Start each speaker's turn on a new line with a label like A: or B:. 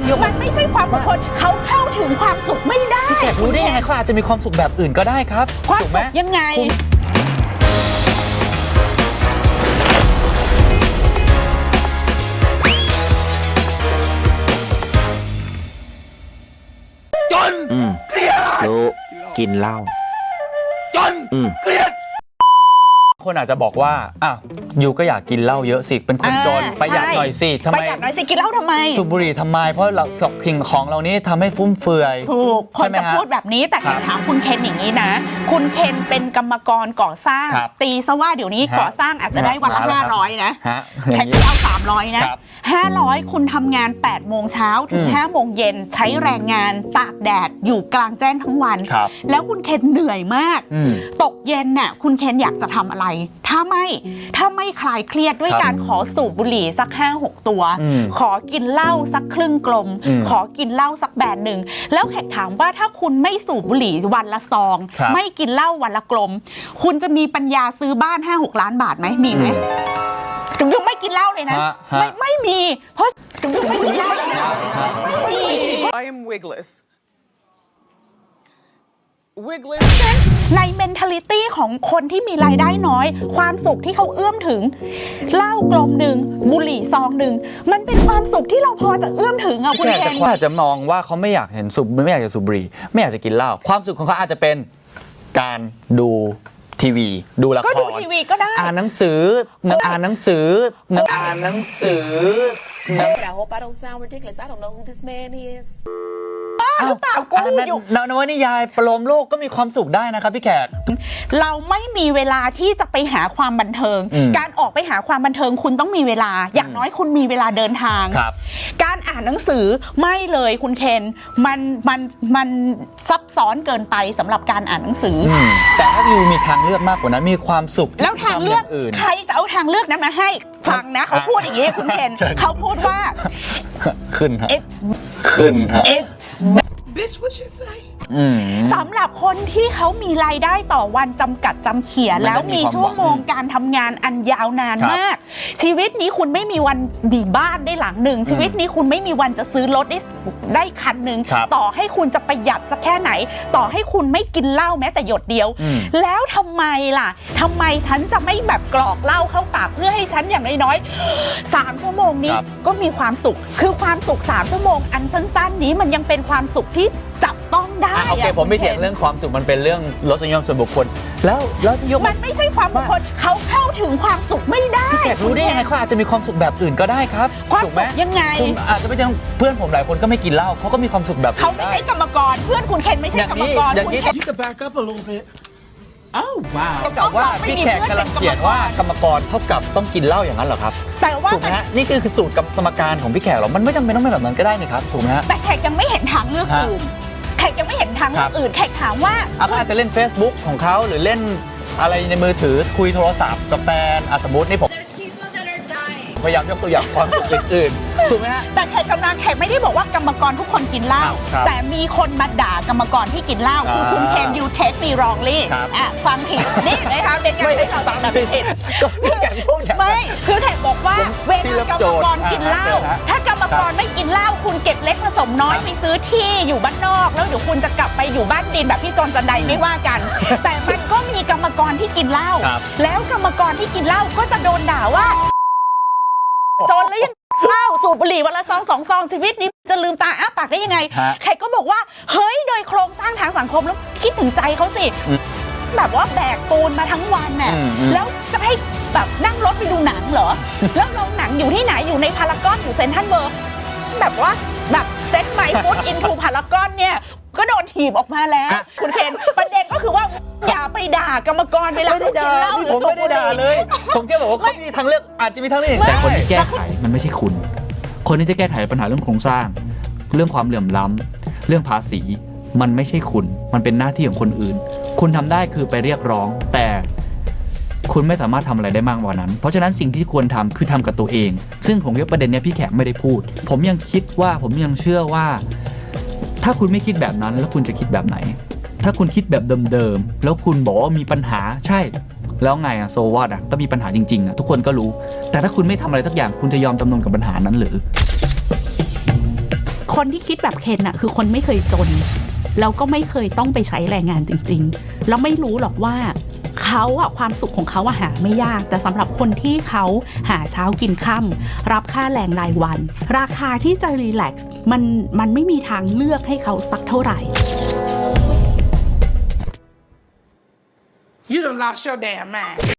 A: มันไม่ใช่ความอดทนเขาเข้าถึงความสุขไม่ได้
B: พี่แขกรู้ได้ยังไงเขาอาจจะมีความสุขแบบอื่นก็ได้ครับ
A: ความ
B: ถูก
A: สุ
B: ไหม
A: ขยังไง
C: รู้กินเหล้า
B: เครียดคนอาจจะบอกว่าอ้าวยูก็อยากกินเหล้าเยอะสิเป็นคนจนประหยัดหน่อยสิทำไม
A: ประหยัดหน่อยสิกินเหล้าทำไม
B: สูบบุหรี่ทำไมเพราะเราสิ่งของเรานี้ทำให้ฟุ่มเฟือย
A: ถูกคนจะพูดแบบนี้แต่ถามคุณเคนอย่างนี้นะคุณเคนเป็นกรรมกรก่อสร้างตีซะว่าเดี๋ยวนี้ก่อสร้างอาจจะได้วันละ500นะแทนที่เอา300นะ500คุณทำงาน8โมงเช้าถึง5โมงเย็นใช้แรงงานตากแดดอยู่กลางแจ้งทั้งวันแล้วคุณเคนเหนื่อยมากตกเย็นน่ะคุณเคนอยากจะทำอะไรถ้าไม่คลายเครียดด้วยการขอสูบบุหรี่สัก 5-6 ตัวขอกินเหล้าสักครึ่งกลมขอกินเหล้าสักแบนหนึ่งแล้วแขกถามว่าถ้าคุณไม่สูบบุหรี่วันละซองไม่กินเหล้าวันละกลมคุณจะมีปัญญาซื้อบ้าน 5-6 ล้านบาทไหมมีไหมยังไม่กินเหล้าเลยนะไม่มีเพราะยังไม่กินเหล้าเลยนะไม่มี
D: I am wigless
A: ใน mentality ของคนที่มีรายได้น้อยความสุขที่เขาเอื้อมถึงเหล้ากลมหนึ่งบุหรี่ซองหนึ่งมันเป็นความสุขที่เราพอจะเอื้อมถึงอ่ะคุณเคน
B: อาจจะมองว่าเขาไม่อยากเห็นสูบไม่อยากจะสูบบุหรี่ไม่อยากจะกินเหล้าความสุขของเขาอาจจะเป็นการดูทีวีดูละคร
A: ก็ดูทีวีก็ได้
B: อ่านหนังสืออ่านหนังสือ
E: I hope I don't sound ridiculous. I don't know who this man is.
A: หรือเปล่ากูอยู่
B: นวนิยายประโลมโลกก็มีความสุขได้นะครับพี่แขก
A: เราไม่มีเวลาที่จะไปหาความบันเทิงการออกไปหาความบันเทิงคุณต้องมีเวลาอย่างน้อยคุณมีเวลาเดินทางการอ่านหนังสือไม่เลยคุณเคนมันซับซ้อนเกินไปสำหรับการอ่านหนังสือ
B: แต่ถ้ายูมีทางเลือกมากกว่านั้นมีความสุข
A: แล้วทางเลือกใครจะเอาทางเลือกนั้นมาให้ฟังนะเขาพูดอย่างนี้คุณเคนเขาพูดว่า
B: ขึ้นฮะ
D: Bitch, what you say?
A: สำหรับคนที่เขามีรายได้ต่อวันจำกัดจำเขียแล้วมีชั่วโมงการทำงานอันยาวนานมากชีวิตนี้คุณไม่มีวันดีบ้านได้หลังหนึ่งชีวิตนี้คุณไม่มีวันจะซื้อรถได้คันหนึ่งต่อให้คุณจะประหยัดสักแค่ไหนต่อให้คุณไม่กินเหล้าแม้แต่หยดเดียวแล้วทำไมล่ะทำไมฉันจะไม่แบบกรอกเหล้าเข้าปากเพื่อให้ฉันอย่างน้อยๆ3 ชั่วโมงนี้ก็มีความสุขคือความสุข3 ชั่วโมงอันสั้นๆนี้มันยังเป็นความสุขที่จับต้องได้
B: โอเคผมไม่เถียงเรื่องความสุขมันเป็นเรื่องรสนิยมส่วนบุคคลแล้วที่ยก
A: มันไม่ใช่ความบุคคลเขาเข้าถึงความสุขไม่ได้
B: พี่แขกรู้ได้ยังไงเขาอาจจะมีความสุขแบบอื่นก็ได้ครับ
A: ถูกไหมยังไง
B: คุณอาจจะไม่ใช่เพื่อนผมหลายคนก็ไม่กินเหล้าเขาก็มีความสุขแบบ
A: เขาไม่ใช่กรรมกรเพื่อนคุณเคนไม่ใช่กรรมกร
B: อย่างนี้
D: You can back up a little bit. Oh wow.
B: เท่ากับว่าพี่แขกกำลังเขียนว่ากรรมกรเท่ากับต้องกินเหล้าอย่างนั้นเหรอครับ
A: แต่ว่า
B: ถูกไหมฮะนี่คือสูตรกับสมการของพี่แขกหรอมันไม่จำเป็นต้องเป็นแบบนั้นก็ได้นี่ครับถูกไหมฮะ
A: แต่แขกยังไม่เห็นทางเลือกอื่นแขกยังไม่เห็นทางอื่นแขกถามว่า
B: เขาอาจจะเล่น Facebook ของเขาหรือเล่นอะไรในมือถือคุยโทรศัพท์กับแฟนสมมตินี่ผมพยายามยกตัวอย่างความสุขอื่นๆถูกไหมฮะ
A: แต่แขกไม่ได้บอกว่ากรรมกรทุกคนกินเหล้าแต่มีคนมาด่ากรรมกรที่กินเหล้าคือคุณเคนยูเทคมีรองลี่ฟังผิดนี่นะคะเป็นการใช้คำแบบผิดไม่คือแขกบอกว่าเวลากรรมกรกินเหล้าถ้ากรรมกรไม่กินเหล้าคุณเก็บเล็กผสมน้อยไปซื้อที่อยู่บ้านนอกแล้วเดี๋ยวคุณจะกลับไปอยู่บ้านดินแบบพี่จนจันไดไม่ว่ากันแต่มันก็มีกรรมกรที่กินเหล้าแล้วกรรมกรที่กินเหล้าก็จะโดนด่าว่าจนแล้วยังเหล้าสูบบุหรี่วันละ2 ซองชีวิตนี้จะลืมตาอ้าปากได้ยังไงใครก็บอกว่าเฮ้ยโดยโครงสร้างทางสังคมแล้วคิดถึงใจเขาสิแบบว่าแบกปูนมาทั้งวันน่ะแล้วจะให้แบบนั่งรถไปดูหนังเหรอแล้วโรงหนังอยู่ที่ไหนอยู่ในพารากอนอยู่เซ็นทรัลเวิลด์แบบว่าแบบเซ็ตไมค์ฟุตอินทูพารากอนเนี่ยก็โดนถีบออกมาแล้วคุณเคนประเด็นก็คือว่าอย่าไปด่ากรรมกรเวลากินเหล้าหรือสูบบุหรี่
B: เลยผมแค่บอกว่าเขามีทางเลือกอาจจะมีทางเลือก
F: แต่คนที่แก้ไขมันไม่ใช่คุณคนที่จะแก้ไขปัญหาเรื่องโครงสร้างเรื่องความเหลื่อมล้ำเรื่องภาษีมันไม่ใช่คุณมันเป็นหน้าที่ของคนอื่นคุณทำได้คือไปเรียกร้องแต่คุณไม่สามารถทำอะไรได้มากกว่านั้นเพราะฉะนั้นสิ่งที่ควรทำคือทำกับตัวเองซึ่งผมคิดว่าประเด็นนี้พี่แขกไม่ได้พูดผมยังเชื่อว่าถ้าคุณไม่คิดแบบนั้นแล้วคุณจะคิดแบบไหนถ้าคุณคิดแบบเดิมๆแล้วคุณบอกว่ามีปัญหาใช่แล้วไงอะโซวอตอะก็มีปัญหาจริงๆอะทุกคนก็รู้แต่ถ้าคุณไม่ทำอะไรสักอย่างคุณจะยอมจำนนกับปัญหานั้นหรือค
A: คนที่คิดแบบเคนน่ะคือคนไม่เคยจนแล้วก็ไม่เคยต้องไปใช้แรงงานจริงๆแล้วไม่รู้หรอกว่าเขาอะความสุขของเขาอะหาไม่ยากแต่สำหรับคนที่เขาหาเช้ากินค่ำรับค่าแรงรายวัน ราคาที่จะรีแลกซ์มันไม่มีทางเลือกให้เขาสักเท่าไหร่
D: You done lost your damn mind.